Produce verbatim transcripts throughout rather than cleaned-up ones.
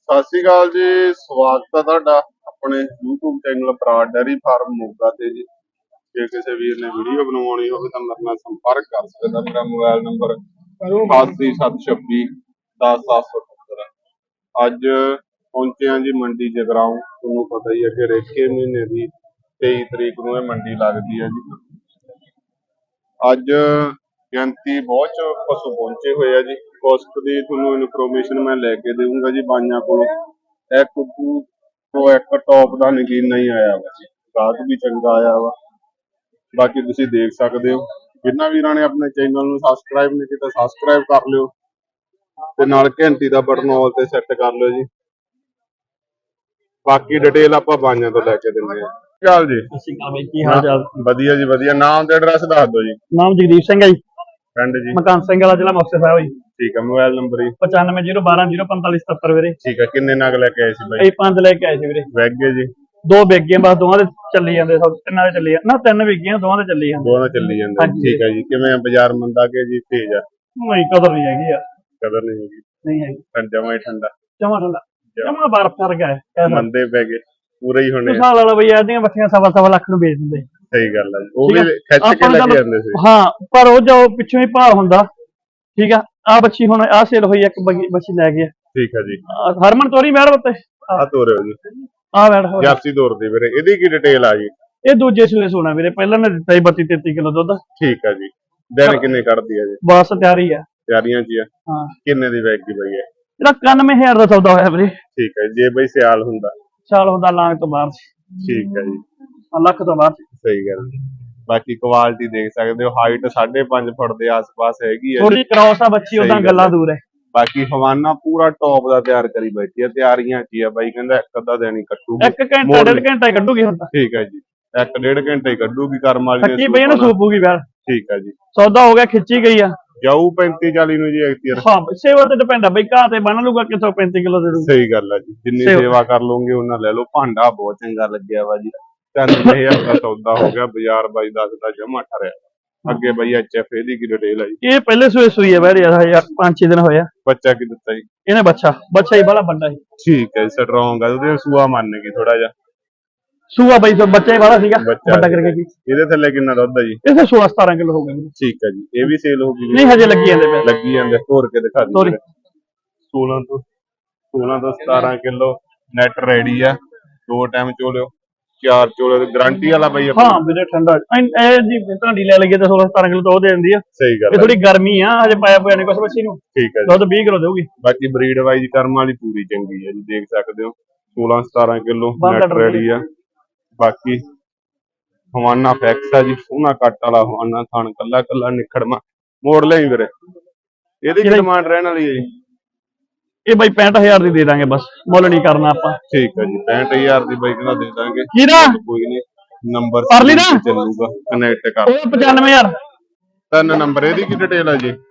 ਸਤਿ ਸ਼੍ਰੀ ਅਕਾਲ ਜੀ। ਸਵਾਗਤ ਹੈ ਤੁਹਾਡਾ ਆਪਣੇ YouTube channel Brar dairy farm Moga ਤੇ ਜੀ। ਜੇ ਕਿਸੇ ਵੀਰ ਨੇ ਵੀਡੀਓ ਬਣਵਾਉਣੀ ਹੋਵੇ ਤਾਂ ਮੇਰੇ ਨਾਲ ਸੰਪਰਕ ਕਰ ਸਕਦਾ। ਮੇਰਾ ਮੋਬਾਈਲ ਨੰਬਰ ਅਠਾਸੀ ਸੱਤ ਛੱਬੀ ਦਸ ਸੱਤ ਸੌ ਅਠੱਤਰ। ਅੱਜ ਪਹੁੰਚੇ ਹਾਂ ਜੀ ਮੰਡੀ ਜਗਰਾਉਂ। ਤੁਹਾਨੂੰ ਪਤਾ ਹੀ ਹੈ ਕਿ ਰੇਕੇ ਮਹੀਨੇ ਦੀ ਤੇਈ ਤਰੀਕ ਨੂੰ ਇਹ ਮੰਡੀ ਲੱਗਦੀ ਹੈ ਜੀ। ਅੱਜ ਗਿਣਤੀ ਬਹੁਤ ਪਸ਼ੂ ਪਹੁੰਚੇ ਹੋਏ ਆ ਜੀ। ਕੋਸਟ ਦੀ ਤੁਹਾਨੂੰ ਇਨਫੋਰਮੇਸ਼ਨ ਮੈਂ ਲੈ ਕੇ ਦੇਵਾਂਗਾ ਜੀ ਬਾਈਆਂ ਕੋਲੋਂ। ਇੱਕ ਤੋਂ ਇੱਕ ਟੌਪ ਦਾ ਨਗੀਨਾ ਹੀ ਆਇਆ ਵਾ ਜੀ। ਗਾਹਕ ਵੀ ਚੰਗਾ ਆਇਆ ਵਾ। ਬਾਕੀ ਤੁਸੀਂ ਦੇਖ ਸਕਦੇ ਹੋ। ਜਿੰਨਾ ਵੀਰਾਂ ਨੇ ਆਪਣੇ ਚੈਨਲ ਨੂੰ ਸਬਸਕ੍ਰਾਈਬ ਨਹੀਂ ਕੀਤਾ ਸਬਸਕ੍ਰਾਈਬ ਕਰ ਲਿਓ ਤੇ ਨਾਲ ਘੰਟੀ ਦਾ ਬਟਨ ਆਲ ਤੇ ਸੈੱਟ ਕਰ ਲਿਓ ਜੀ। ਬਾਕੀ ਡਿਟੇਲ ਆਪਾਂ ਬਾਈਆਂ ਤੋਂ ਲੈ ਕੇ ਦਿੰਦੇ ਹਾਂ। ਚੱਲ ਜੀ। ਸਤਿ ਸ਼੍ਰੀ ਅਕਾਲ ਬਾਈ, ਕੀ ਹਾਲ ਚਾਲ? ਵਧੀਆ ਜੀ ਵਧੀਆ। ਨਾਮ ਤੇ ਐਡਰੈਸ ਦੱਸ ਦਿਓ ਜੀ। ਨਾਮ ਜਗਦੀਪ ਸਿੰਘ ਹੈ ਜੀ, ਪਿੰਡ ਜੀ ਮਕਾਨ ਸਿੰਘ ਵਾਲਾ, ਜ਼ਿਲ੍ਹਾ ਮੁਕਤਸਰ ਸਾਹਿਬ ਜੀ। ਠੀਕ ਹੈ। ਮੋਬਾਈਲ ਨੰਬਰ ਜੀ ਪਚਾਨਵੇਂ ਜ਼ੀਰੋ ਬਾਰਾਂ ਜ਼ੀਰੋ ਪੰਤਾਲੀ ਸਤੱਤਰ ਵੀਰੇ। ਠੀਕ ਹੈ। ਕਿੰਨੇ ਨਗ ਲੈ ਕੇ ਆਏ ਸੀ ਬਾਈ? ਅਸੀਂ ਪੰਜ ਲੈ ਕੇ ਆਏ ਸੀ ਵੀਰੇ। ਵੈਗੇ ਜੀ ਦੋ ਵਿਕ ਗਏ ਬਸ, ਦੋਵਾਂ ਦੇ ਚੱਲੀ ਜਾਂਦੇ, ਸਭ ਤਿੰਨਾਂ ਦੇ ਚੱਲੀ ਜਾਂਦੇ ਨਾ, ਤਿੰਨ ਵਿਕ ਗਈਆਂ, ਦੋਵਾਂ ਦੇ ਚੱਲੀ ਜਾਂਦੇ। ਦੋਵਾਂ ਚੱਲੀ ਜਾਂਦੇ। ਠੀਕ ਹੈ ਜੀ। ਕਿਵੇਂ ਬਾਜ਼ਾਰ ਮੰਦਾ ਕੇ ਜੀ ਤੇਜ਼ ਆ? ਨਹੀਂ, ਕਦਰ ਨਹੀਂ ਹੈਗੀ ਯਾਰ, ਕਦਰ ਨਹੀਂ ਹੈਗੀ। ਨਹੀਂ ਹੈਗੀ। ਜਮਾ ਹੀ ਠੰਡਾ, ਜਮਾ ਠੰਡਾ, ਜਮਾ ਬਰਫ਼ ਕਰ ਗਿਆ। ਮੰਦੇ ਪੈ ਗਏ ਪੂਰੇ ਹੀ ਹੋਣੇ। ਸਾਲ ਵਾਲਾ ਬਈ ਇਹਦੀਆਂ ਬੱਚੀਆਂ ਸਵਾ ਸਵਾ ਲੱਖ ਨੂੰ ਵੇਚ ਦਿੰਦੇ। ਸਹੀ ਗੱਲ ਹੈ। ਉਹ ਵੀ ਖਿੱਚ ਕੇ ਲੈ ਕੇ ਜਾਂਦੇ ਸੀ। ਹਾਂ, ਪਰ ਉਹ ਜੋ ਪਿੱਛੋਂ ਹੀ ਭਾਅ ਹੁੰਦਾ। ਠੀਕ ਆ। ਆ ਬੱਚੀ ਹੁਣ ਆ ਸੇਲ ਹੋਈ, ਇੱਕ ਬੱਚੀ ਲੈ ਗਿਆ। ਠੀਕ ਹੈ ਜੀ। ਹਰਮਨ ਤੋਰੀ ਬੈਠ ਬੱਤੇ ਆ ਤੋਰੇ ਹੋ ਜੀ। ਆ ਬੈਠ ਜਰਸੀ ਤੋਰ ਦੀ ਵੀਰੇ। ਇਹਦੀ ਕੀ ਡਿਟੇਲ ਆ ਜੀ? ਇਹ ਦੂਜੇ ਸੂਏ ਸੋਣਾ ਵੀਰੇ, ਪਹਿਲਾਂ ਨੇ ਦਿੱਤਾ ਸੀ ਬੱਤੀ ਤੇਤੀ ਕਿਲੋ ਦੁੱਧ। ਠੀਕ ਹੈ ਜੀ। ਦਿਨ ਕਿੰਨੇ ਕੱਢਦੀ ਆ ਜੀ? ਬਸ ਤਿਆਰੀ ਆ। ਤਿਆਰੀਆਂ ਚ ਆ। ਹਾਂ। ਕਿੰਨੇ ਦੀ ਵੈਗ ਦੀ ਬਈ ਹੈ? ਇਹਦਾ ਇਕਾਨਵੇਂ ਹਜ਼ਾਰ ਦਾ ਸੌਦਾ ਹੋਇਆ ਵੀਰੇ। ਠੀਕ ਹੈ। ਜੇ ਬਈ ਸਿਆਲ ਹੁੰਦਾ? ਸਾਲ ਹੁੰਦਾ ਲਾਂਗ ਤੋਂ ਬਾਅਦ। ਠੀਕ ਹੈ ਜੀ। ਲੱਖ ਤੋਂ ਬਾਅਦ। ਸਹੀ ਗੱਲ। ਬਾਕੀ ਕੁਆਲਿਟੀ ਦੇਖ ਸਕਦੇ ਹੋ। ਹਾਈਟ ਸਾਢੇ ਪੰਜ ਫੁੱਟ ਦੇ ਆਸ-ਪਾਸ ਹੈਗੀ ਹੈ। ਥੋੜੀ ਕ੍ਰਾਸ ਆ ਬੱਚੀ, ਉਹਦਾ ਗੱਲਾਂ ਦੂਰ ਹੈ। ਬਾਕੀ ਹਵਾਨਾ ਪੂਰਾ ਟੌਪ ਦਾ ਤਿਆਰ ਕਰੀ ਬੈਠੀ ਹੈ। ਤਿਆਰੀਆਂ ਕੀ ਆ ਬਾਈ ਕਹਿੰਦਾ ਇੱਕ ਅੱਧਾ ਦਿਨ ਹੀ ਕੱਟੂਗੀ। ਇੱਕ ਘੰਟਾ ਡੇਢ ਘੰਟਾ ਹੀ ਕੱਢੂਗੀ ਹੁਣ ਤਾਂ। ਠੀਕ ਹੈ ਜੀ। ਇੱਕ ਡੇਢ ਘੰਟੇ ਹੀ ਕੱਢੂਗੀ ਕਰਮ ਵਾਲੀ ਨੇ। ਖੱਚੀ ਪਈ ਇਹਨੂੰ ਸੂਪੂਗੀ ਬੈਠ। ਠੀਕ ਹੈ ਜੀ। ਸੌਦਾ ਹੋ ਗਿਆ, ਖਿੱਚੀ ਗਈ ਆ। ਜਾਊ ਪੈਂਤੀ ਚਾਲੀ ਨੂੰ ਜੀ ਐਕਟੀਅਰ। ਹਾਂ, ਸੇਵਾ ਤੇ ਡਿਪੈਂਡ ਆ ਬਈ, ਘਾਹ ਤੇ ਬੰਨ ਲੂਗਾ ਕਿਥੋਂ ਪੈਂਤੀ ਕਿਲੋ ਦੇ ਦੂ। ਸਹੀ ਗੱਲ ਹੈ ਜੀ। ਜਿੰਨੀ ਸੇਵਾ ਕਰ ਲਓਗੇ ਉਹਨਾਂ ਲੈ ਲਓ। ਭਾਂਡਾ ਬਹੁਤ ਚੰਗਾ ਲੱਗਿਆ ਵਾ ਜੀ। ਤਿੰਨ ਹਜ਼ਾਰ ਦਾ ਸੌਦਾ ਹੋ ਗਿਆ। ਬਾਜ਼ਾਰ ਬਾਈ ਦਸ ਦਾ ਜਮਾ ਠਰਿਆ। ਅੱਗੇ ਬਾਈ ਐਚ ਐਫ ਇਹਦੀ ਕੀ ਡਿਟੇਲ ਹੈ ਜੀ? ਇਹ ਪਹਿਲੇ ਸੂਏ ਸੂਈ ਹੈ ਬੈਠ ਯਾਰ, ਪੰਜ ਛੇ ਦਿਨ ਹੋਇਆ। ਬੱਚਾ ਕੀ ਦਿੱਤਾ ਜੀ ਇਹਨੇ? ਬੱਚਾ ਬੱਚਾ ਹੀ ਬੜਾ ਵੱਡਾ ਸੀ। ਠੀਕ ਹੈ। ਸਟਰੋਂਗ ਆ। ਉਹਦੇ ਸੂਆ ਮੰਨ ਗਈ ਥੋੜਾ ਜਿਹਾ। ਸੂਆ ਬਈ ਬੱਚਾ ਹੀ ਬੜਾ ਸੀਗਾ, ਵੱਡਾ ਕਰਕੇ ਕੀ। ਇਹਦੇ ਥੱਲੇ ਕਿੰਨਾ ਦੁੱਧ ਹੈ ਜੀ? ਇਹਦੇ ਸੋਲਾਂ ਸਤਾਰਾਂ ਕਿਲੋ ਹੋ ਗਏ। ਠੀਕ ਹੈ ਜੀ। ਇਹ ਵੀ ਸੇਲ ਹੋ ਗਈ? ਨਹੀਂ, ਹਜੇ ਲੱਗੀ ਜਾਂਦੇ ਪਏ। ਲੱਗੀ ਜਾਂਦੇ। ਹੋਰ ਕੇ ਦਿਖਾ ਦਿਓ। ਸੋਲਾਂ ਤੋਂ ਸੋਲਾਂ ਤੋਂ ਸਤਾਰਾਂ ਕਿਲੋ ਨੈਟ ਰੈਡੀ ਆ। ਦੋ ਟਾਈਮ ਚੋਲਿਓ, ਚਾਰ ਚੋਲਿਓ। ਗਾਰੰਟੀ ਵਾਲਾ ਬਈ? ਹਾਂ ਵੀਰੇ, ਠੰਡਾ ਇਹ ਜੀ ਢਾਂਡੀ ਲੈ ਲਈਏ ਤਾਂ ਸੋਲਾਂ ਸਤਾਰਾਂ ਕਿਲੋ ਤਾਂ ਉਹ ਦੇ ਦਿੰਦੀ ਆ। ਸਹੀ ਗੱਲ। ਇਹ ਥੋੜੀ ਗਰਮੀ ਆ, ਹਜੇ ਪਾਇਆ ਹੋਇਆ ਨਹੀਂ ਕੁਛ ਬੱਚੀ ਨੂੰ। ਠੀਕ ਹੈ। ਦੁੱਧ ਵੀਹ ਕਿਲੋ ਦੇਊਗੀ। ਬਾਕੀ ਬਰੀਡ ਵਾਈਜ਼ ਕਰਮ ਵਾਲੀ ਪੂਰੀ ਚੰਗੀ ਹੈ ਜੀ। ਦੇਖ ਸਕਦੇ ਹੋ ਸੋਲਾਂ ਸਤਾਰਾਂ ਕਿਲੋ ਨੈਟ ਰੈਡੀ ਆ। ਬਾਕੀ ਹਵਾਨਾ ਫੈਕਸ ਆ ਜੀ। ਸੋਹਣਾ ਕੱਟ ਵਾਲਾ ਹਵਾਨਾ, ਥਣ ਕੱਲਾ ਕੱਲਾ ਨਿਖੜਮਾ। ਮੋੜ ਲਈ ਵੀਰੇ। ਇਹਦੀ ਕੀ ਡਿਮਾਂਡ ਰਹਿਣ ਵਾਲੀ ਹੈ ਜੀ? ਇਹ ਬਾਈ ਪੈਂਹਠ ਹਜ਼ਾਰ ਦੀ ਦੇ ਦਾਂਗੇ, ਬਸ ਮੁੱਲ ਨਹੀਂ ਕਰਨਾ ਆਪਾਂ। ਠੀਕ ਹੈ ਜੀ। ਪੈਂਹਠ ਹਜ਼ਾਰ ਦੀ ਬਾਈ ਕਹਿੰਦਾ ਦੇ ਦਾਂਗੇ। ਕੋਈ ਨਹੀਂ, ਨੰਬਰ ਚੱਲੂਗਾ, ਕਨੈਕਟ ਕਰ। ਉਹ ਪਚਾਨਵੇਂ ਹਜ਼ਾਰ। ਤਿੰਨ ਨੰਬਰ। ਇਹਦੀ ਕੀ ਡਿਟੇਲ ਹੈ ਜੀ?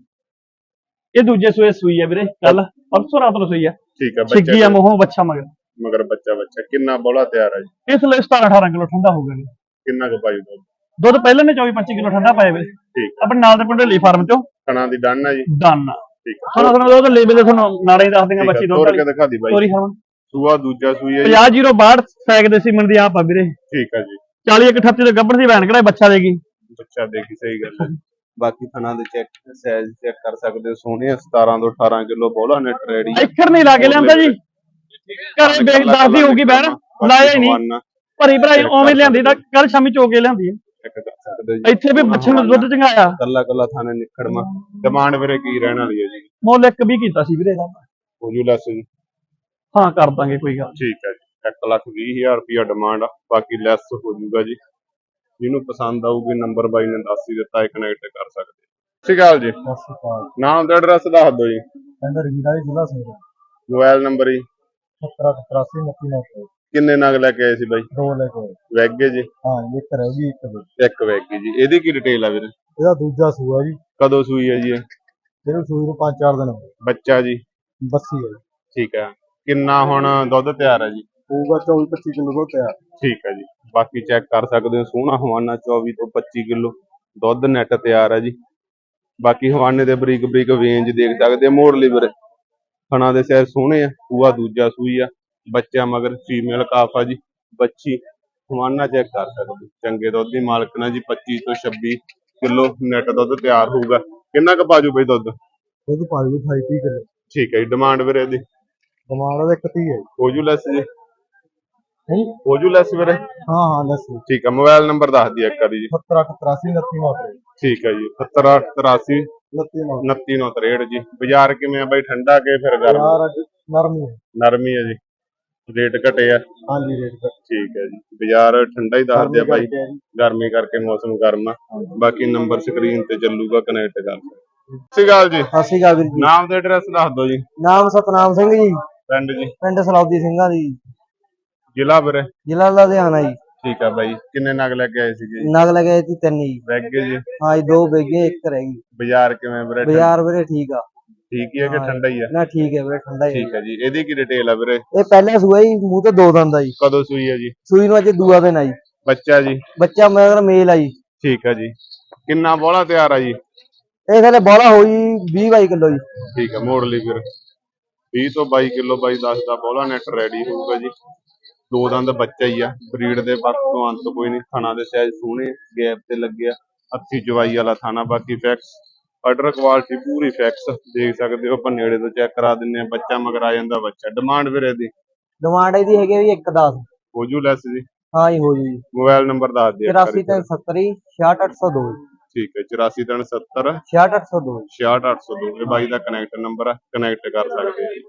ਇਹ ਦੂਜੇ ਸੂਏ ਸੂਈ ਹੈ ਵੀਰੇ, ਕੱਲ ਪਰਸੋਂ ਰਾਤ ਨੂੰ ਸੂਈ ਹੈ। ਠੀਕ ਹੈ। ਛਿੱਗੀ ਆ ਮੂੰਹੋਂ, ਬੱਚਾ ਮਗਰ ਮਗਰ ਬੱਚਾ ਬੱਚਾ ਕਿੰਨਾ ਬੋਲਾ ਤਿਆਰ ਹੈ ਜੀ? ਇਸ ਲਈ ਸਤਾਰਾਂ ਅਠਾਰਾਂ ਕਿਲੋ ਠੰਡਾ ਹੋ ਗਿਆ। ਕਿੰਨਾ ਕੁ ਪਾਈ ਦੁੱਧ? ਦੁੱਧ ਪਹਿਲਾਂ ਨੇ ਚੌਵੀ ਪੱਚੀ ਕਿਲੋ ਠੰਡਾ ਪਾਇਆ ਵੀਰੇ। ਠੀਕ। ਆਪਣੇ ਨਾਲ ਦੇ ਪਿੰਡ ਲੀ ਫਾਰਮ ਚੋਂ। ਕਣਾ ਦੀ ਡਨ ਹੈ ਜੀ? ਡਨ। ਠੀਕ ਹੈ। ਸਾਨੂੰ ਸਾਨੂੰ ਉਹਦਾ ਲੇਬਲ ਤੇ ਤੁਹਾਨੂੰ ਨਾਲੇ ਦੱਸ ਦਿੰਗਾ ਬੱਚੀ ਦੁੱਧ ਵਾਲੀ। ਦਿਖਾ ਦੀ ਬਾਈ। ਸੋਰੀ ਹਰਮਨ। ਸੂਆ ਦੂਜਾ ਸੂਈ ਹੈ ਪੰਜਾਹ ਜ਼ੀਰੋ ਬਾਹਠ ਸੈਕ ਦੇ ਸੀਮਨ ਦੀ ਆਪ ਆ ਵੀਰੇ। ਠੀਕ ਹੈ ਜੀ। ਚਾਲੀ ਇੱਕ ਅਠੱਤੀ ਦੇ ਗੱਭਣ ਦੀ ਵੈਣ ਕਿਹੜਾ ਬੱਚਾ ਦੇਗੀ। ਬੱਚਾ ਦੇਗੀ। ਸਹੀ ਗੱਲ ਹੈ। ਬਾਕੀ ਥਣਾ ਦੇ ਚੈੱਕ ਸਾਈਜ਼ ਚੈੱਕ ਕਰ ਸਕਦੇ ਹੋ। ਸੋਹਣੇ ਸਤਾਰਾਂ ਤੋਂ ਅਠਾਰਾਂ ਕਿਲੋ ਬੋਲਾ ਨੈਟ ਰੈਡੀ। ਇੱਕਰ ਨਹੀਂ ਲਾ ਕੇ ਲਿਆਂਦਾ ਜੀ। ਘਰੇ ਵੇਖ ਦੱਸਦੀ ਹੋਊਗੀ ਬੈਣ, ਲਾਇਆ ਹੀ ਨਹੀਂ। ਭਰੀ ਭਰਾਈ ਉਵੇਂ ਲਿਆਂਦੀ ਤਾਂ ਕੱਲ ਸ਼ਾਮੀ ਚੋਕੇ ਲਿਆਂਦੀ ਹੈ। ਇੱਥੇ ਵੀ ਬੱਚੇ ਨੂੰ ਦੁੱਧ ਚੰਗਾਇਆ। ਕੱਲਾ ਕੱਲਾ ਥਾਣੇ ਨਿਖੜਮਾ। ਡਿਮਾਂਡ ਵੀਰੇ ਕੀ ਰਹਿਣ ਵਾਲੀ ਹੈ ਜੀ? ਮੁੱਲ ਇੱਕ ਵੀ ਕੀਤਾ ਸੀ ਵੀਰੇ ਇਹਦਾ। ਹੋ ਜੂ ਲੈਸ ਜੀ? ਹਾਂ, ਕਰ ਦਾਂਗੇ ਕੋਈ ਗੱਲ। ਠੀਕ ਹੈ ਜੀ। ਇੱਕ ਲੱਖ ਵੀਹ ਹਜ਼ਾਰ ਰੁਪਇਆ ਡਿਮਾਂਡ ਆ। ਬਾਕੀ ਲੈਸ ਹੋ ਜੂਗਾ ਜੀ। ਜਿਹਨੂੰ ਪਸੰਦ ਆਊਗੀ ਨੰਬਰ ਬਾਈ ਨੇ ਦੱਸ ਹੀ ਦਿੱਤਾ ਹੈ, ਕਨੈਕਟ ਕਰ ਸਕਦੇ। ਸਤਿ ਸ਼੍ਰੀ ਅਕਾਲ ਜੀ। ਸਤਿ ਸ਼੍ਰੀ ਅਕਾਲ। ਨਾਮ ਤੇ ਐਡਰੈਸ ਦੱਸ ਦਿਓ ਜੀ। ਪਿੰਡ ਰਵੀਰਾ ਜ਼ਿਲ੍ਹਾ ਸੰਗਰੂਰ। ਮੋਬਾਈਲ ਨੰਬਰ ਜੀ? ਸੱਤਰ ਤਰਾਸੀ ਉਨੱਤੀ ਨੌ ਸੌ। ਕਿੰਨੇ ਨਗ ਲੈ ਕੇ ਆਏ ਸੀ ਬਾਈ? ਦੋ ਲੈ ਕੇ ਆਏ। ਵੈਗੇ ਜੀ? ਹਾਂ, ਇੱਕ ਰਹਿ ਗਈ। ਇੱਕ ਇੱਕ ਵੈਗੀ ਜੀ। ਇਹਦੀ ਕੀ ਡਿਟੇਲ ਆ ਵੀਰੇ? ਇਹਦਾ ਦੂਜਾ ਸੂਆ ਜੀ। ਕਦੋਂ ਸੂਈ ਹੈ ਜੀ ਇਹ? ਇਹਨੂੰ ਸੂਈ ਨੂੰ ਪੰਜ ਚਾਰ ਦਿਨ ਹੋ ਗਏ। ਬੱਚਾ ਜੀ? ਬੱਸੀ ਹੈ। ਠੀਕ ਹੈ। ਕਿੰਨਾ ਹੁਣ ਦੁੱਧ ਤਿਆਰ ਹੈ ਜੀ? ਹੋਊਗਾ ਚੌਵੀ ਪੱਚੀ ਕਿਲੋ ਦੁੱਧ ਤਿਆਰ। ਠੀਕ ਹੈ ਜੀ। ਬਾਕੀ ਚੈੱਕ ਕਰ ਸਕਦੇ ਹੋ। ਸੋਹਣਾ ਹਵਾਨਾ ਚੌਵੀ ਤੋਂ ਪੱਚੀ ਕਿਲੋ ਦੁੱਧ ਨੈਟ ਤਿਆਰ ਹੈ ਜੀ। ਬਾਕੀ ਹਵਾਨੇ ਦੇ ਬਰੀਕ ਬਰੀਕ ਵੇਂਜ ਦੇਖ ਸਕਦੇ ਹੋ। ਮੋੜ ਲਈ ਵੀਰੇ। ਥਣਾ ਦੇ ਸਿਰ ਸੋਹਣੇ ਆ, ਸੂਆ ਦੂਜਾ ਸੂਈ ਆ, ਬੱਚਾ ਮਗਰ ਫੀਮੇਲ ਕਾਫ ਆ ਜੀ। ਬੱਚੀ ਹਵਾਨਾ ਚੈੱਕ ਕਰ ਸਕਦੇ, ਚੰਗੇ ਦੁੱਧ ਦੀ ਮਾਲਕਣਾ ਜੀ। ਪੱਚੀ ਤੋਂ ਛੱਬੀ ਕਿਲੋ ਨੈਟ ਦੁੱਧ ਤਿਆਰ ਹੋਊਗਾ। ਕਿੰਨਾ ਕੁ ਪਾਜੂ ਬਈ ਦੁੱਧ? ਦੁੱਧ ਪਾ ਦਿਓ ਅਠਾਈ ਤੀਹ ਕਿਲੋ। ਠੀਕ ਹੈ ਜੀ। ਡਿਮਾਂਡ ਵੀਰੇ ਇਹਦੀ ਡਿਮਾਂਡ ਦਾ ਇੱਕ ਤੀਹ ਹੈ। ਹੋ ਜੂ ਲੈਸ ਜੀ? ਹੈ ਹੋ ਜੂ ਲੈਸ ਵੀਰੇ? ਹਾਂ ਹਾਂ ਦੱਸੋ। ਠੀਕ ਹੈ। ਮੋਬਾਈਲ ਨੰਬਰ ਦੱਸ ਦਿਓ ਇੱਕ ਵਾਰੀ ਜੀ। ਸੱਤਰ ਅੱਠ ਤਰਾਸੀ ਉਨੱਤੀ ਨੌ ਤਰੇਹਠ। ਠੀਕ ਹੈ ਜੀ। ਸੱਤਰ ਅੱਠ ਤਰਾਸੀ ਉਨੱਤੀ ਨੌ ਉਨੱਤੀ ਨੌ ਤਰੇਹਠ ਜੀ। ਬਾਜ਼ਾਰ ਕਿਵੇਂ ਆ ਬਈ? ਠੰਡਾ ਕੇ ਫਿਰ ਗਰਮ? ਯਾਰ ਅੱਜ ਨਰਮੀ ਹੈ। ਨਰਮੀ ਹੈ ਜੀ। ਰੇਟ ਘਟੇ ਆ? ਹਾਂਜੀ ਰੇਟ ਘੱਟ। ਠੀਕ ਹੈ ਜੀ। ਬਾਜ਼ਾਰ ਠੰਡਾ ਹੀ ਦੱਸਦੇ ਆ ਬਾਈ, ਕਰਕੇ ਹੈ ਜੀ। ਗਰਮੀ ਕਰਕੇ ਮੌਸਮ ਗਰਮ ਆ। ਬਾਕੀ ਨੰਬਰ ਸਕਰੀਨ ਤੇ ਚੱਲੂਗਾ, ਕਨੈਕਟ ਕਰ ਲਓ। ਸਤਿ ਸ਼੍ਰੀ ਅਕਾਲ ਜੀ। ਸਤਿ ਸ਼੍ਰੀ ਅਕਾਲ ਵੀਰ ਜੀ। ਨਾਮ ਤੇ ਐਡਰੈਸ ਦੱਸ ਦਿਓ ਜੀ। ਨਾਮ ਸਤਨਾਮ ਸਿੰਘ ਜੀ, ਪਿੰਡ ਜੀ? ਪਿੰਡ ਸਲੌਦੀ ਸਿੰਘਾਂ ਦੀ, ਜ਼ਿਲ੍ਹਾ ਵੀਰੇ? ਜ਼ਿਲ੍ਹਾ ਲੁਧਿਆਣਾ ਜੀ। ਠੀਕ ਆ ਬਾਈ। ਕਿੰਨੇ ਨਗ ਲੈ ਕੇ ਆਏ ਸੀਗੇ ਜੀ? ਨਗ ਲਗਾਏ ਸੀ ਤਿੰਨ ਜੀ। ਵੈਗੇ ਜੀ? ਹਾਂ ਜੀ, ਦੋ ਬੇਗੇ ਇੱਕ ਰਹਿ ਗਈ। ਬਾਜ਼ਾਰ ਕਿਵੇਂ ਵੀਰੇ? ਬਾਜ਼ਾਰ ਵੀਰੇ ਠੀਕ ਆ। ਠੀਕ ਹੀ ਹੈ ਕਿ ਠੰਡਾ ਹੀ ਆ? ਨਾ ਠੀਕ ਹੈ ਵੀਰੇ, ਠੰਡਾ ਹੀ ਠੀਕ ਹੈ ਜੀ। ਇਹਦੀ ਕੀ ਡਿਟੇਲ ਆ ਵੀਰੇ? ਇਹ ਪਹਿਲਾ ਸੂਆ ਜੀ, ਮੂੰਹ ਤੇ ਦੋ ਦੰਦ ਆ ਜੀ। ਕਦੋਂ ਸੂਈ ਹੈ ਜੀ? ਸੂਈ ਨੂੰ ਅੱਜ ਦੂਆ ਦਿਨ ਆ ਜੀ। ਬੱਚਾ ਜੀ? ਬੱਚਾ ਮਗਰ ਮੇਲ ਆ ਜੀ। ਠੀਕ ਹੈ ਜੀ। ਕਿੰਨਾ ਬੋਲਾ ਤਿਆਰ ਆ ਜੀ? ਇਹ ਥਲੇ ਬੋਲਾ ਹੋਈ ਵੀਹ ਬਾਈ ਕਿਲੋ ਜੀ। ਠੀਕ ਹੈ। ਮੋੜ ਲਈ ਫਿਰ ਵੀਹ ਤੋਂ ਬਾਈ ਕਿਲੋ ਬਾਈ ਦਸ ਦਾ ਬੋਲਾ ਨੈਟ ਰੈਡੀ ਹੋਊਗਾ ਜੀ। ਦੋ ਦੰਦ ਬੱਚਾ ਹੀ ਆ। ਬਰੀਡ ਦੇ ਪੱਖ ਤੋਂ ਅੰਤ ਕੋਈ ਨਹੀਂ। ਥਣਾ ਦੇ ਸਾਈਜ਼ ਸੋਹਣੇ, ਗੈਪ ਤੇ ਲੱਗਿਆ, ਹੱਥੀ ਚਵਾਈ ਵਾਲਾ ਥਾਣਾ। ਬਾਕੀ ਫੈਕਸ ਆਰਡਰ ਕੁਆਲਿਟੀ ਪੂਰੀ ਫੈਕਸ ਦੇਖ ਸਕਦੇ ਹੋ। ਆਪਾਂ ਨੇੜੇ ਤੋਂ ਚੈੱਕ ਕਰਾ ਦਿੰਨੇ ਆ। ਬੱਚਾ ਮਗਰ ਆ ਜਾਂਦਾ ਬੱਚਾ। ਡਿਮਾਂਡ ਵੀਰੇ ਇਹਦੀ? ਡਿਮਾਂਡ ਇਹਦੀ ਹੈਗੀ ਵੀ ਇੱਕ ਦਸ। ਹੋ ਜੂ ਲੈਸ ਜੀ? ਹਾਂ ਜੀ ਹੋ ਜੀ। ਮੋਬਾਈਲ ਨੰਬਰ ਦੱਸ ਦਿਓ। ਚੁਰਾਸੀ ਤਿੰਨ ਸੱਤਰ ਜੀ ਛਿਆਹਠ ਅੱਠ ਸੌ ਦੋ। ਠੀਕ ਹੈ। ਚੁਰਾਸੀ ਤਿੰਨ ਸੱਤਰ ਛਿਆਹਠ ਅੱਠ ਸੌ ਦੋ। ਛਿਆਹਠ ਅੱਠ ਸੌ ਦੋ। ਇਹ ਬਾਈ ਦਾ ਕਨੈਕਟ ਨੰਬਰ ਆ, ਕਨੈਕਟ ਕਰ ਸਕਦੇ ਜੀ।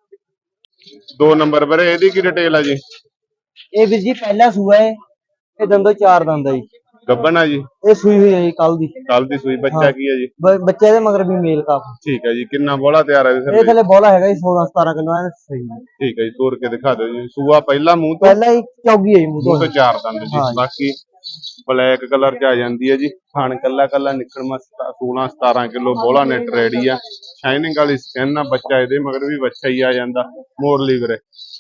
ਦੋ ਨੰਬਰ ਵੀਰੇ ਇਹਦੀ ਕੀ ਡਿਟੇਲ ਆ ਜੀ? ਇਹ ਵੀਰ ਜੀ ਪਹਿਲਾ ਸੂਆ ਹੈ। ਇਹ ਦੰਦੋ ਚਾਰ ਦੰਦ ਆ ਜੀ। ਗੱਬਨ ਆ ਜੀ? ਇਹ ਸੂਈ ਹੋਈ ਹੈ ਜੀ ਕੱਲ ਦੀ। ਕੱਲ ਦੀ ਸੂਈ। ਬੱਚਾ ਕੀ ਹੈ ਜੀ? ਬ- ਬੱਚੇ ਦੇ ਮਗਰ ਵੀ ਮੇਲ ਕਾਫ। ਠੀਕ ਹੈ ਜੀ। ਕਿੰਨਾ ਬੋਲਾ ਤਿਆਰ ਹੈ ਇਹ ਜੀ? ਥਲੇ ਬੋਲਾ ਹੈਗਾ ਜੀ ਸੋਲਾਂ ਸਤਾਰਾਂ ਕਿਲੋ ਐ ਸਹੀ ਹੈ। ਠੀਕ ਹੈ ਜੀ। ਤੋੜ ਕੇ ਦਿਖਾ ਦਿਓ ਜੀ। ਸੂਆ ਪਹਿਲਾ ਮੂੰਹ ਤੋਂ? ਪਹਿਲਾ ਹੀ ਚੌਗੀ ਹੈ ਜੀ ਮੂੰਹ ਮੂੰਹ ਤੋਂ। ਤੋਂ ਚਾਰ ਦੰਦ ਜੀ। ਹਾਂ ਜੀ। ਬਾਕੀ ਬਲੈਕ ਕਲਰ ਚ ਆ ਜਾਂਦੀ ਹੈ ਜੀ। ਥਣ ਕੱਲਾ ਕੱਲਾ ਨਿਕਲਮਾ ਸੋਲਾਂ ਸਤਾਰਾਂ ਕਿਲੋ ਬੋਲਾ ਨੈਟ ਰੈਡੀ ਆ। ਸ਼ਾਈਨਿੰਗ ਵਾਲੀ ਸਕਿਨ ਆ। ਬੱਚਾ ਇਹਦੇ ਮਗਰ ਵੀ ਬੱਚਾ ਹੀ ਆ ਜਾਂਦਾ। ਮੋੜ ਲਈ ਵੀਰੇ।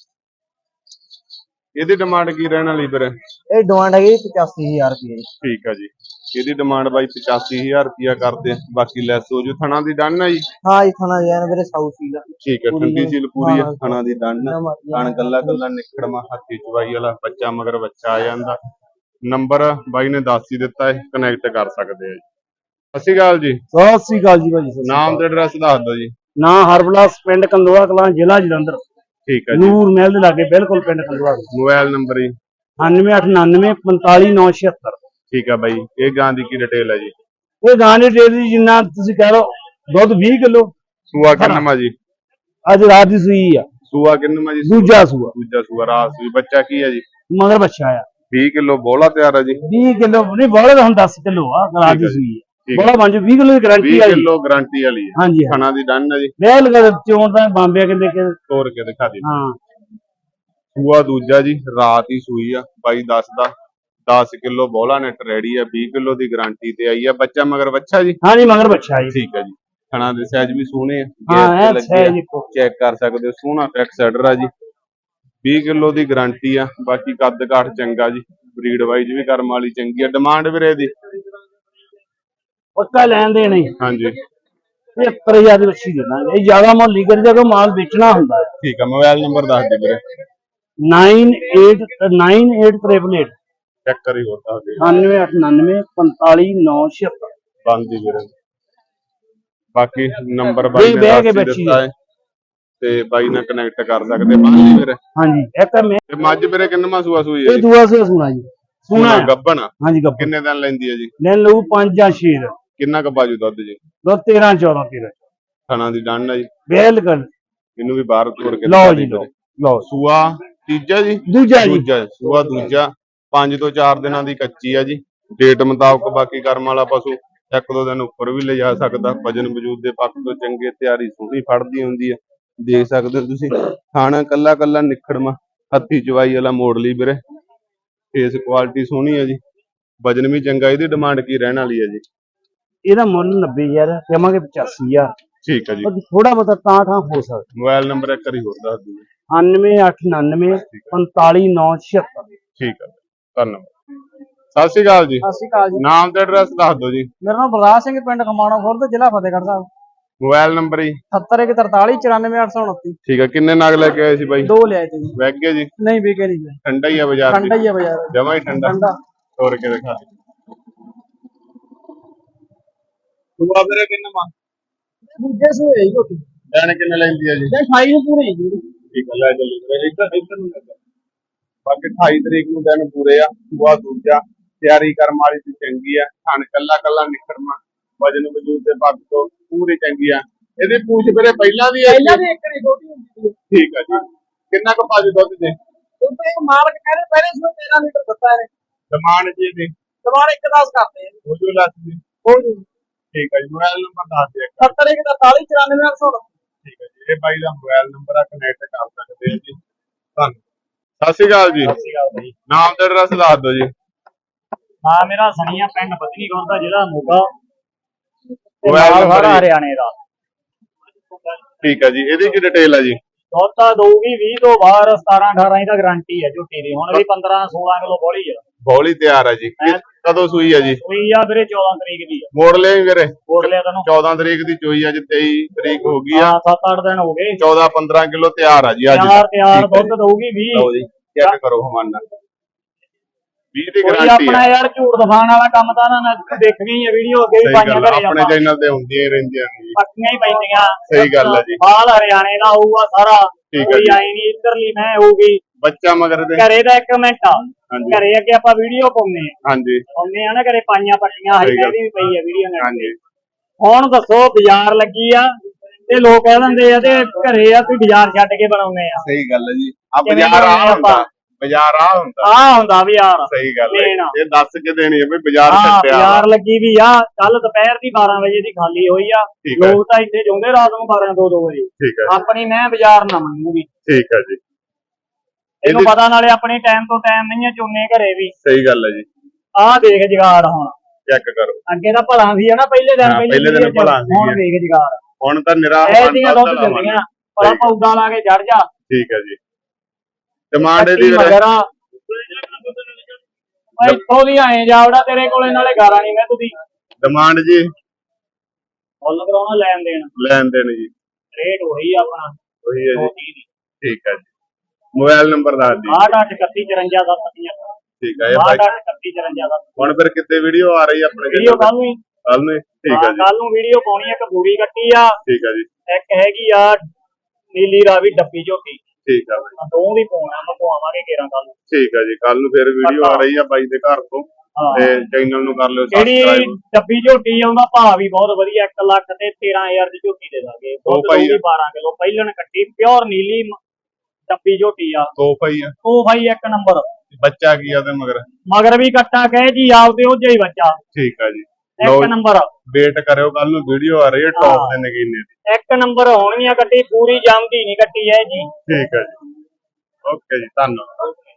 ਇਹਦੀ ਡਿਮਾਂਡ ਕੀ ਰਹਿਣ ਵਾਲੀ ਵੀਰੇ? ਇਹ ਡਿਮਾਂਡ ਹੈਗੀ ਪਚਾਸੀ ਹਜ਼ਾਰ ਰੁਪਏ ਜੀ। ਠੀਕ ਆ ਜੀ। ਇਹਦੀ ਡਿਮਾਂਡ ਬਾਈ ਪਚਾਸੀ ਹਜ਼ਾਰ ਰੁਪਇਆ ਕਰਦੇ ਆ। ਬਾਕੀ ਲੈਸ ਹੋ ਜੂ। ਥਣਾ ਦੀ ਡਨ ਆ ਜੀ? ਹਾਂ ਜੀ ਥਣਾ ਜੈਨ ਵੀਰੇ ਸਾਊ ਸੀਲ ਆ। ਠੀਕ ਹੈ। ਠੰਡੀ ਸੀਲ ਪੂਰੀ ਆ। ਹਾਂ। ਥਣਾ ਦੀ ਡਨ ਆ। ਥਣ ਕੱਲਾ ਕੱਲਾ ਨਿਕੜਮਾ, ਹੱਥੀ ਚਵਾਈ ਵਾਲਾ, ਬੱਚਾ ਮਗਰ ਬੱਚਾ ਆ ਜਾਂਦਾ। ਨੰਬਰ ਬਾਈ ਨੇ ਦੱਸ ਹੀ ਦਿੱਤਾ ਹੈ, ਕਨੈਕਟ ਕਰ ਸਕਦੇ ਆ ਜੀ। ਸਤਿ ਸ਼੍ਰੀ ਅਕਾਲ ਜੀ। ਸਤਿ ਸ੍ਰੀ ਅਕਾਲ ਜੀ ਭਾਜੀ। ਸਤਿ ਸ੍ਰੀ ਨਾਮ ਅਕਾਲ। ਤੇ ਐਡਰੈਸ ਦੱਸ ਦਿਓ ਜੀ। ਨਾਂ ਹਰਬਲਾਸ, ਪਿੰਡ ਕੰਦੋਆ ਕਲਾਂ, ਜ਼ਿਲ੍ਹਾ ਜਲੰਧਰ। ਠੀਕ ਹੈ ਜੀ। ਨੂਰ ਮਹਿਲ ਦੇ ਲਾਗੇ ਬਿਲਕੁਲ ਪਿੰਡ ਕੰਦੋਆ। ਮੋਬਾਈਲ ਨੰਬਰ ਜੀ? ਅਠਾਨਵੇਂ ਅੱਠ ਉਨਾਨਵੇਂ ਪੰਤਾਲੀ ਨੌ ਛਿਅੱਤਰ। ਠੀਕ ਆ ਬਾਈ। ਇਹ ਗਾਂ ਦੀ ਕੀ ਡਿਟੇਲ ਹੈ ਜੀ? ਇਹ ਗਾਂ ਦੀ ਡੇਅਰੀ ਜਿੰਨਾ ਤੁਸੀਂ ਕਹਿ ਲਓ, ਦੁੱਧ ਵੀਹ ਕਿਲੋ। ਸੂਆ ਕਿੰਨਵਾਂ ਜੀ? ਅੱਜ ਰਾਤ ਦੀ ਸੂਈ ਆ। ਸੂਆ ਕਿੰਨਵਾਂ ਜੀ? ਦੂਜਾ ਸੂਆ। ਦੂਜਾ ਸੂਆ ਰਾਤ ਸੂਈ। ਬੱਚਾ ਕੀ ਹੈ ਜੀ? ਮਗਰ ਬੱਚਾ ਆ। ਵੀਹ ਕਿਲੋ ਬੋਲਾ ਤਿਆਰ ਹੈ ਜੀ? ਵੀਹ ਕਿਲੋ ਨਹੀਂ, ਬੋਲੇ ਤਾਂ ਹੁਣ ਦਸ ਕਿਲੋ ਆ। ਰਾਤ ਦੀ ਸੂਈ ਆ। ਬੋਲਾ ਬਣ ਜੂ ਵੀਹ ਕਿਲੋ ਦੀ ਗਾਰੰਟੀ ਵੀਹ ਆ ਜੀ। ਕਿਲੋ ਗਾਰੰਟੀ ਵਾਲੀ ਹੈ। ਹਾਂਜੀ ਹਾਂ। ਖਾਣਾ ਦੀ ਡਨ ਹੈ ਜੀ? ਬਿਲ ਕਰ ਚੋਣ ਤਾਂ ਬੰਬੇ ਕਹਿੰਦੇ ਕਿ ਤੋੜ ਕੇ ਦਿਖਾ ਦੇ। ਹਾਂ। ਸੂਆ ਦੂਜਾ ਜੀ, ਰਾਤ ਹੀ ਸੂਈ ਆ। ਬਾਈ ਦਸ ਦਾ ਦਸ ਕਿਲੋ ਬੋਲਾ ਨੈਟ ਰੈਡੀ ਆ। ਵੀਹ ਕਿਲੋ ਦੀ ਗਾਰੰਟੀ ਤੇ ਆਈ ਆ। ਬੱਚਾ ਮਗਰ ਬੱਚਾ ਜੀ? ਹਾਂਜੀ ਮਗਰ ਬੱਚਾ ਜੀ। ਠੀਕ ਹੈ ਜੀ। ਖਾਣਾ ਦੇ ਸਾਈਜ਼ ਵੀ ਸੋਹਣੇ ਆ। ਹਾਂ ਇਹ ਸਾਈਜ਼ ਇੱਕੋ। ਚੈੱਕ ਕਰ ਸਕਦੇ ਹੋ। ਸੋਹਣਾ ਫੈਕਸ ਆਰਡਰ ਆ ਜੀ। ਵੀਹ ਕਿਲੋ ਦੀ ਗਾਰੰਟੀ ਆ। ਬਾਕੀ ਕੱਦ ਕਾਠ ਚੰਗਾ ਜੀ। ਬਰੀਡ ਵਾਈਜ਼ ਵੀ ਕਰਮ ਵਾਲੀ ਚੰਗੀ ਆ। ਡਿਮਾਂਡ ਵੀਰੇ ਦੀ? ਪੱਕਾ ਲੈਣ ਦੇ ਨਹੀਂ। ਹਾਂਜੀ। ਪਝੱਤਰ ਹਜ਼ਾਰ ਦੀ ਬੱਚੀ ਦੇਣਾ। ਇਹ ਜ਼ਿਆਦਾ ਮੁੱਲ ਨਹੀਂ ਕਰੀ ਜਦੋਂ ਮਾਲ ਵੇਚਣਾ ਹੁੰਦਾ ਹੈ। ਠੀਕ ਆ। ਮੋਬਾਈਲ ਨੰਬਰ ਦੱਸ ਦੇ ਵੀਰੇ। Nine eight nine eight triple eight check ਕਰੀ ਹੋਰ ਦੱਸ ਦੇ। ਅਠਾਨਵੇਂ ਅੱਠ ਉਨਾਨਵੇਂ ਪੰਤਾਲੀ ਨੌ ਛਿਅੱਤਰ। ਬੰਦ ਹੀ ਵੀਰੇ। ਬਾਕੀ ਨੰਬਰ ਬਾਈ ਨੇ ਬਹਿ ਕੇ ਦੱਸ ਹੀ ਬੱਚੀ ਦਿੱਤਾ ਹੈ ਤੇ ਬਾਈ ਨਾਲ ਕਨੈਕਟ ਕਰ ਸਕਦੇ। ਬੰਦ ਹੀ ਵੀਰੇ। ਹਾਂਜੀ ਇੱਕ ਮੈਂ ਤੇ ਮੱਝ ਵੀਰੇ ਕਿੰਨਵਾਂ ਸੂਆ ਸੂਈ ਹੈ ਇਹ ਜੀ? ਦੂਆ ਸੇ ਸੁਣਾ ਜੀ। ਸੁਣਾ ਗੱਬਣ ਆ? ਹਾਂਜੀ ਗੱਪਾ। ਕਿੰਨੇ ਦਿਨ ਲੈਂਦੀ ਹੈ ਜੀ? ਲੈ ਲਊ ਪੰਜ ਜਾਂ ਛੇ ਦਾ। ਕਿੰਨਾ ਕੁ ਬਾਜੂ ਦੁੱਧ ਜੀ? ਦੋ ਤੇਰਾਂ ਚੌਦਾਂ ਤੇਰਾਂ। ਥਣਾ ਦੀ ਡਨ ਹੈ ਜੀ? ਬਿਲਕੁਲ। ਇਹਨੂੰ ਵੀ ਬਾਹਰ ਤੋੜ ਕੇ ਲਓ ਦਿਖਾ ਜੀ ਦਿਓ ਲਓ ਵੀਰੇ। ਲਓ। ਸੂਆ ਤੀਜਾ ਜੀ? ਦੂਜਾ ਜੀ। ਦੂਜਾ ਸੂਆ ਦੂਜਾ। ਪੰਜ ਤੋਂ ਚਾਰ ਦਿਨਾਂ ਦੀ ਕੱਚੀ ਆ ਜੀ। ਡੇਟ ਮੁਤਾਬਕ ਬਾਕੀ ਕਰਮ ਵਾਲਾ ਪਸ਼ੂ ਇੱਕ ਦੋ ਦਿਨ ਉੱਪਰ ਵੀ ਲਿਜਾ ਸਕਦਾ। ਵਜਨ ਵਜੂਦ ਦੇ ਪੱਖ ਤੋਂ ਚੰਗੇ, ਤਿਆਰੀ ਸੋਹਣੀ ਫੜਦੀ ਹੁੰਦੀ ਆ। ਦੇਖ ਸਕਦੇ ਹੋ ਤੁਸੀਂ। ਖਾਣਾ ਕੱਲਾ ਕੱਲਾ ਨਿਖੜਮਾ, ਹੱਥੀ ਚਵਾਈ ਵਾਲਾ ਮੋੜ ਲਈ ਵੀਰੇ। ਫੇਸ ਕੁਆਲਿਟੀ ਸੋਹਣੀ ਹੈ ਜੀ। ਵਜਨ ਵੀ ਚੰਗਾ। ਇਹਦੀ ਡਿਮਾਂਡ ਕੀ ਰਹਿਣ ਵਾਲੀ ਹੈ ਜੀ? ਇਹਦਾ ਮੁੱਲ ਨੱਬੇ ਹਜ਼ਾਰ ਦੇਵਾਂਗੇ ਪਚਾਸੀ ਹਜ਼ਾਰ। ਠੀਕ ਹੈ ਜੀ। ਥੋੜਾ ਬਹੁਤਾ ਤਾਂ ਠਾਂ ਹੋ ਸਕਦਾ। ਮੋਬਾਈਲ ਨੰਬਰ ਇੱਕ ਵਾਰੀ ਹੋਰ ਦੱਸ ਦਿਓ। ਅਠਾਨਵੇਂ ਅੱਠ ਉਨਾਨਵੇਂ ਪੰਤਾਲੀ ਨੌ ਛਿਅੱਤਰ। ਠੀਕ ਹੈ। ਧੰਨਵਾਦ। ਸਤਿ ਸ਼੍ਰੀ ਅਕਾਲ ਜੀ। ਸਤਿ ਸ਼੍ਰੀ ਅਕਾਲ ਜੀ। ਨਾਮ ਤੇ ਐਡਰੈਸ ਦੱਸ ਦਿਓ ਜੀ। ਮੇਰਾ ਨਾਮ ਬਲਰਾਜ ਸਿੰਘ, ਪਿੰਡ ਖਮਾਣੋ ਖੁਰਦ, ਜ਼ਿਲ੍ਹਾ ਫਤਿਹਗੜ੍ਹ ਸਾਹਿਬ। ਮੋਬਾਈਲ ਨੰਬਰ ਜੀ ਸੱਤਰ ਇੱਕ ਤਰਤਾਲੀ ਚੁਰਾਨਵੇਂ ਅੱਠ ਸੌ ਉਨੱਤੀ। ਠੀਕ ਹੈ, ਕਿੰਨੇ ਨਗ ਲੈ ਕੇ ਆਏ ਸੀ ਬਾਈ? ਦੋ ਲਿਆਏ ਤੇ ਜੀ। ਵੈਗ ਗਿਆ ਜੀ? ਨਹੀਂ ਵਿਕੇ ਨਹੀਂ ਜੀ। ਠੰਡਾ ਹੀ ਆ ਬਾਜ਼ਾਰ ਠੰਡਾ ਹੀ ਆ ਬਾਜ਼ਾਰ। ਜਮਾ ਹੀ ਠੰਡਾ ਠੰਡਾ ਤੋੜ ਕੇ ਦਿਖਾ ਦੇ। ਦੂਆ ਵੀਰੇ ਕਿੰਨਾ ਮਾ? ਦੂਜੇ ਸੂਏ ਹੀ ਝੋਟੀ। ਲੈਣ ਕਿੰਨੇ ਲੈਂਦੀ ਆ ਜੀ? ਤੇ ਅਠਾਈ ਨੂੰ ਪੂਰੀ ਜੀ। ਠੀਕ ਹੈ, ਲੈ ਚੱਲੀ ਫਿਰ ਇੱਧਰ ਇੱਧਰ ਨੂੰ ਲੱਗਾ। ਬਾਕੀ ਅਠਾਈ ਤਰੀਕ ਨੂੰ ਦਿਨ ਪੂਰੇ ਆ। ਦੂਆ ਦੂਜਾ ਤਿਆਰੀ ਕਰਮ ਵਾਲੀ ਤੇ ਚੰਗੀ ਆ। ਥਣ ਕੱਲਾ ਕੱਲਾ ਨਿਕੜਨਾ ਵਜਨ ਵਜੂਦ ਦੇ ਪੱਖ ਤੋਂ ਪੂਰੀ ਚੰਗੀ ਆ। ਇਹਦੀ ਪੂਛ ਵੀਰੇ ਪਹਿਲਾਂ ਵੀ ਹੈ? ਪਹਿਲਾਂ ਵੀ ਇੱਕ ਨਹੀਂ ਛੋਟੀ ਹੁੰਦੀ ਸੀ। ਠੀਕ ਆ ਜੀ। ਕਿੰਨਾ ਕੁ ਪਾਜੂ ਦੁੱਧ ਦੇ? ਉੱਤੇ ਇੱਕ ਮਾਲਕ ਕਹਿੰਦੇ ਪਹਿਲੇ ਸੂਏ ਤੇਰਾਂ ਲੀਟਰ ਦਿੱਤਾ ਇਹਨੇ। ਡਿਮਾਂਡ ਜੀ ਦੀ ਸਵਾਲ ਇੱਕ ਦਸ ਕਰਦੇ ਆ। ਹੋ ਜੂ ਲੱਖ ਦੀ? ਹੋ ਜੀ। ਠੀਕ ਹੈ ਜੀ, ਮੋਬਾਈਲ ਨੰਬਰ ਦੱਸ ਦਿਓ। ਸੱਤਰ ਇੱਕ ਤਰਤਾਲੀ ਚੁਰਾਨਵੇਂ ਅੱਠ ਸੌ ਉਨੱਤੀ। ਠੀਕ ਹੈ ਜੀ, ਇਹ ਬਾਈ ਦਾ ਮੋਬਾਈਲ ਨੰਬਰ ਆ, ਕਨੈਕਟ ਕਰ ਸਕਦੇ ਹੋ ਜੀ। ਧੰਨਵਾਦ। ਸਤਿ ਸ਼੍ਰੀ ਅਕਾਲ ਜੀ। ਸਤਿ ਸ਼੍ਰੀ ਅਕਾਲ ਬਾਈ। ਨਾਮ ਤੇ ਐਡਰੈਸ ਦੱਸ ਦਿਓ ਜੀ। ਹਾਂ, ਮੇਰਾ ਸਣੀਆ ਪਿੰਡ ਬਦਨੀ ਗੌਰ ਦਾ ਜ਼ਿਲ੍ਹਾ ਮੋਗਾ। ਮੋਬਾਈਲ ਨੰਬਰ ਸਾਰਾ ਜੀ? ਹਰਿਆਣੇ ਦਾ। ਠੀਕ ਹੈ ਜੀ, ਇਹਦੀ ਕੀ ਡਿਟੇਲ ਆ ਜੀ? ਦੁੱਧ ਤਾਂ ਦਊਗੀ ਵੀਹ ਤੋਂ ਬਾਹਰ ਸਤਾਰਾਂ ਅਠਾਰਾਂ ਦੀ ਤਾਂ ਗਾਰੰਟੀ ਹੈ ਝੋਟੀ ਦੀ। ਹੁਣ ਵੀ ਪੰਦਰਾਂ ਸੋਲਾਂ ਕਿਲੋ ਬੋਲੀ ਆ। ਬੋਲੀ ਤਿਆਰ ਆ ਜੀ। ਕਿ- ਕਦੋਂ ਸੂਈ ਆ ਜੀ? ਸੂਈ ਆ ਵੀਰੇ ਚੌਦਾਂ ਤਰੀਕ ਦੀ ਆ। ਮੋੜ ਲਿਆ ਵੀਰੇ? ਮੋੜ ਲਿਆ ਤੈਨੂੰ। ਚੌਦਾਂ ਤਰੀਕ ਦੀ ਚੋਈ ਅੱਜ ਤੇਈ ਤਰੀਕ ਹੋ ਗਈ ਆ। ਹਾਂ, ਸੱਤ ਅੱਠ ਦਿਨ ਹੋ ਗਏ। ਚੌਦਾਂ ਪੰਦਰਾਂ ਕਿਲੋ ਤਿਆਰ ਆ ਜੀ ਅੱਜ। ਤਿਆਰ ਤਿਆਰ ਠੀਕ ਹੈ ਦੁੱਧ ਦਊਗੀ ਵੀਹ। ਲਓ ਜੀ, ਚੈੱਕ ਕਰੋ ਹਮਾਨਾ ਵੀਹ ਦੀ ਕੋਈ ਗਾਰੰਟੀ ਆਪਣਾ ਆ। ਯਾਰ ਝੂਠ ਦਿਖਾਉਣ ਵਾਲਾ ਕੰਮ ਤਾਂ ਨਾ ਦੇਖ ਗਈ ਆ। ਵੀਡੀਓ ਅੱਗੇ ਵੀ ਸਹੀ ਪਾਈਆਂ ਗੱਲ ਆ, ਘਰੇ ਆਪਣੇ ਆਪਾਂ। ਚੈਨਲ ਤੇ ਹੁੰਦੀਆਂ ਹੀ ਰਹਿੰਦੀਆਂ ਨੇ ਜੀ। ਪੱਕੀਆਂ ਹੀ ਪੈਂਦੀਆਂ। ਸਹੀ ਗੱਲ ਆ ਜੀ। ਬਾਲ ਹਰਿਆਣੇ ਦਾ ਹੋਊਗਾ ਸਾਰਾ। ਠੀਕ ਆ ਕੋਈ ਜੀ। ਆਈ ਨਹੀਂ ਇੱਧਰਲੀ ਮੈਂ ਹੋਊਗੀ। ਬੱਚਾ ਮਗਰ ਦੇ? ਘਰੇ ਦਾ ਇੱਕ ਮਿੰਟ ਆ। ਹਾਂਜੀ। ਘਰੇ ਅੱਗੇ ਆਪਾਂ ਵੀਡੀਓ ਪਾਉਂਦੇ ਆ। ਹਾਂਜੀ ਪਾਉਂਦੇ ਆ ਨਾ ਘਰੇ ਪਾਈਆਂ ਪੱਟੀਆਂ ਸਹੀ ਹਜੇ ਗੱਲ। ਵੀ ਪਈ ਆ ਵੀਡੀਓ ਨਾਲ। ਹਾਂਜੀ ਹੁਣ ਦੱਸੋ ਬਾਜ਼ਾਰ ਲੱਗੀ ਆ ਤੇ ਲੋਕ ਕਹਿ ਦਿੰਦੇ ਆ ਤੇ ਘਰੇ ਆ ਤੁਸੀਂ ਬਾਜ਼ਾਰ ਛੱਡ ਕੇ ਬਣਾਉਂਦੇ ਆ। ਸਹੀ ਗੱਲ ਹੈ ਜੀ। ਆ ਕਿਵੇਂ ਬਾਜ਼ਾਰ ਆ ਬਣਾਉਂਦੇ ਹੁੰਦਾ, ਆਪਾਂ? ਬਾਜ਼ਾਰ ਆ ਹੁੰਦਾ। ਆ ਹੁੰਦਾ ਬਾਜ਼ਾਰ। ਸਹੀ ਗੱਲ ਹੈ, ਲੈਣਾ। ਇਹ ਦੱਸ ਕੇ ਦੇਣੀ ਹੈ ਵੀ ਬਾਜ਼ਾਰ ਹਾਂ, ਛੱਡਿਆ ਵਾ। ਬਾਜ਼ਾਰ ਲੱਗੀ ਵੀ ਆ। ਕੱਲ ਦੁਪਹਿਰ ਦੀ ਬਾਰਾਂ ਵਜੇ ਦੀ ਖਾਲੀ ਹੋਈ ਆ। ਠੀਕ ਹੈ। ਲੋਕ ਤਾਂ ਇੱਥੇ ਜਾਂਦੇ ਰਾਤ ਨੂੰ ਬਾਰਾਂ ਦੋ ਦੋ ਵਜੇ। ਠੀਕ ਹੈ ਆਪਣੀ ਮੈਂ ਬਾਜ਼ਾਰ ਨਾ ਮੰਨੂਗੀ। ਠੀਕ ਹੈ ਜੀ। ਇਹਨੂੰ ਪਤਾ ਨਾਲੇ ਆਪਣੇ ਟਾਈਮ ਤੋਂ ਟਾਈਮ ਨਹੀਂ ਆ ਚੋਨੇ ਘਰੇ ਵੀ। ਸਹੀ ਗੱਲ ਹੈ ਜੀ। ਆਹ ਦੇਖ ਜਗਾੜ ਹੁਣ। ਚੈੱਕ ਕਰੋ। ਅੱਗੇ ਤਾਂ ਭਲਾ ਸੀ ਹਨਾ ਪਹਿਲੇ ਦਿਨ। ਹਾਂ, ਪਹਿਲੇ ਦਿਨ ਭਲਾ ਸੀ। ਹੁਣ ਦੇਖ ਜਗਾੜ। ਹੁਣ ਤਾਂ ਨਿਰਾ ਐਸੀਆਂ ਦੁੱਧ ਦਿੰਦੀਆਂ। ਭਲਾ ਪੌਦਾ ਲਾ ਕੇ ਚੜ ਜਾ। ਠੀਕ ਹੈ ਜੀ। ਡਿਮਾਂਡ ਇਹਦੀ ਮਗਰਾ ਭਾਈ ਇੱਥੋਂ ਦੀ ਆਏ ਜਾਵੜਾ ਤੇਰੇ ਕੋਲੇ ਨਾਲੇ ਗਾਰਾਂ ਨਹੀਂ ਮੈਂ ਤੁਸੀਂ। ਡਿਮਾਂਡ ਜੀ ਮੁੱਲ ਕਰਾਉਣਾ ਲੈਣ ਦੇਣ। ਲੈਣ ਦੇਣ ਜੀ। ਰੇਟ ਉਹੀ ਆਪਣਾ ਉਹੀ ਹੈ ਦੋ ਜੀ। ਤੀਹ ਦੀ। ਠੀਕ ਹੈ ਜੀ। ਮੋਬਾਈਲ ਨੰਬਰ ਦੱਸ ਦਿਓ। ਆਠ ਅੱਠ ਇਕੱਤੀ ਚੁਰੰਜਾ ਸੱਤ ਪਚੱਤਰ। ਠੀਕ ਹੈ ਇਹ ਆਠ ਬਾਈ। ਅੱਠ ਇਕੱਤੀ ਚੁਰੰਜਾ ਸੱਤ। ਹੁਣ ਫਿਰ ਕਿੱਥੇ ਵੀਡੀਓ ਆ ਰਹੀ ਹੈ ਆਪਣੇ ਵੀਡੀਓ ਕੱਲ ਨੂੰ ਹੀ। ਕੱਲ ਨੂੰ? ਠੀਕ ਹੈ ਜੀ। ਕੱਲ ਨੂੰ ਵੀਡੀਓ ਪਾਉਣੀ। ਇੱਕ ਬੂਰੀ ਕੱਟੀ ਆ। ਠੀਕ ਹੈ ਜੀ। ਇੱਕ ਹੈਗੀ ਆ ਨੀਲੀ ਰਾਵੀ ਡੱਬੀ ਝੋਟੀ। ਠੀਕ ਹੈ ਬਾਈ। ਦੋ ਵੀ ਪਾਉਣਾ ਮੈਂ ਪਵਾਵਾਂਗੇ ਕੇਰਾਂ ਕੱਲ ਨੂੰ। ਠੀਕ ਹੈ ਜੀ। ਕੱਲ ਨੂੰ ਫਿਰ ਵੀਡੀਓ ਆ ਰਹੀ ਆ ਬਾਈ ਦੇ ਘਰ ਤੋਂ ਤੇ ਚੈਨਲ ਨੂੰ ਕਰ ਲਿਓ ਜਿਹੜੀ ਸਬਸਕ੍ਰਾਈਬ। ਡੱਬੀ ਝੋਟੀ ਆ ਉਹਦਾ ਭਾਅ ਵੀ ਬਹੁਤ ਵਧੀਆ। ਇੱਕ ਲੱਖ ਤੇ ਤੇਰਾਂ ਹਜ਼ਾਰ ਦੀ ਝੋਟੀ ਦੇ ਦਾਂਗੇ। ਦੁੱਧ ਭਾਈ ਦਊਗੀ ਬਾਰਾਂ ਕਿਲੋ। ਪਹਿਲਣ ਕੱਟੀ ਪਿਓਰ ਨੀਲੀ ਡੱਬੀ ਝੋਟੀ ਆ। ਤੋਹਫਾ ਹੀ ਆ। ਉਹ ਭਾਈ ਇੱਕ ਨੰਬਰ। ਬੱਚਾ ਕੀ ਆ ਉਹਦੇ ਮਗਰ? ਮਗਰ ਵੀ ਕੱਟਾ ਕਹੇ ਜੀ ਆਪ ਤੇ ਉਹ ਜਿਹਾ ਹੀ ਬੱਚਾ। ਠੀਕ ਆ ਜੀ। ਇੱਕ ਨੰਬਰ। ਵੇਟ ਕਰਿਓ, ਕੱਲ ਨੂੰ ਵੀਡੀਓ ਆ ਰਹੀ ਹੈ ਟੌਪ ਦੇ ਨਗੀਨੇ ਦੀ। ਇੱਕ ਨੰਬਰ ਹੋਣਗੀਆਂ ਕੱਟੀ। ਪੂਰੀ ਜੰਮਦੀ ਨਹੀਂ ਕੱਟੀ ਹੈ ਜੀ। ਠੀਕ ਹੈ ਜੀ। ਓਕੇ ਜੀ, ਧੰਨਵਾਦ।